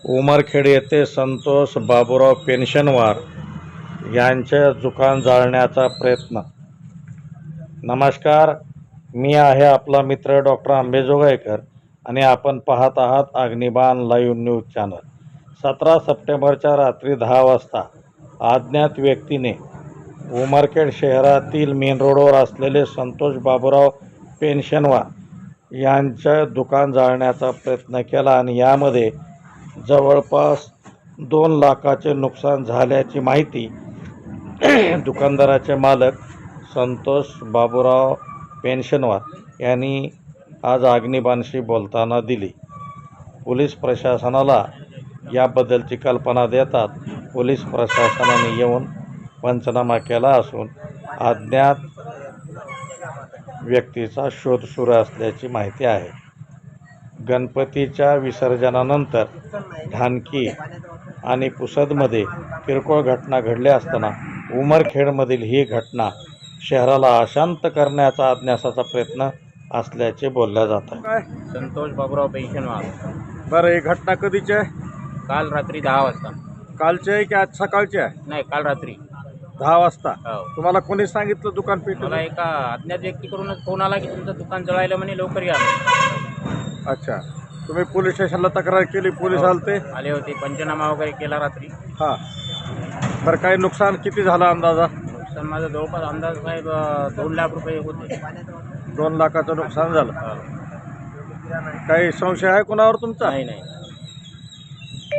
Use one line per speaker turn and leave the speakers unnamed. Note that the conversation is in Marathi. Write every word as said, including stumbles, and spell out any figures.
उमरखेड येथे संतोष बाबूराव पेन्शनवार यांचे दुकान जाळण्याचा प्रयत्न। नमस्कार, मी आहे आपला मित्र डॉक्टर आंबेजोगाईकर आणि आपण पाहत आहात अग्निबाण लाईव्ह न्यूज चॅनल। सतरा सप्टेंबरच्या रात्री दहा वाजता अज्ञात व्यक्तीने उमरखेड शहरातील मेन रोडवर असलेले संतोष बाबूराव पेन्शनवार यांचे दुकान जाळण्याचा प्रयत्न केला आणि यामध्ये जवळपास दोन लाखाचे नुकसान झाल्याची माहिती दुकानदाराचे मालक संतोष बाबूराव पेन्शनवार यांनी आज अग्निबाणशी बोलताना दिली। पोलीस प्रशासनाला याबद्दलची कल्पना देतात पोलीस प्रशासनाने येऊन पंचनामा केला असून अज्ञात व्यक्तीचा शोध सुरू असल्याची माहिती आहे। गणपतीच्या विसर्जनानंतर ढानकी आणि पुसदमध्ये किरकोळ घटना घडल्या असताना उमरखेडमधील ही घटना शहराला अशांत करण्याचा अज्ञाताचा प्रयत्न असल्याचे बोलल्या जात आहे।
संतोष बाबूराव पेन्शनवार।
बरं, ही घटना कधीची आहे?
काल रात्री दहा वाजता।
कालची आहे की आज सकाळची आहे?
नाही, काल रात्री
दहा वाजता।
हो।
तुम्हाला कोणी सांगितलं दुकान पेटवलं?
मला एका अज्ञात व्यक्तीकडूनच फोन आला की तुमचं दुकान जळायला म्हणे, लवकर या म्हणे।
अच्छा, तुम्ही पोलीस स्टेशनला तक्रार केली? पोलीस
हो,
आलते?
आले होते, पंचनामा वगैरे केला रात्री।
हां, बरं, काही नुकसान किती झालं अंदाजा?
नुकसान माझा जवळपास अंदाज साहेब अं, दोन लाख रुपये होते।
दोन लाखाचं नुकसान झालं।
हो।
काही संशय आहे कोणावर तुमचा?
नाही नाही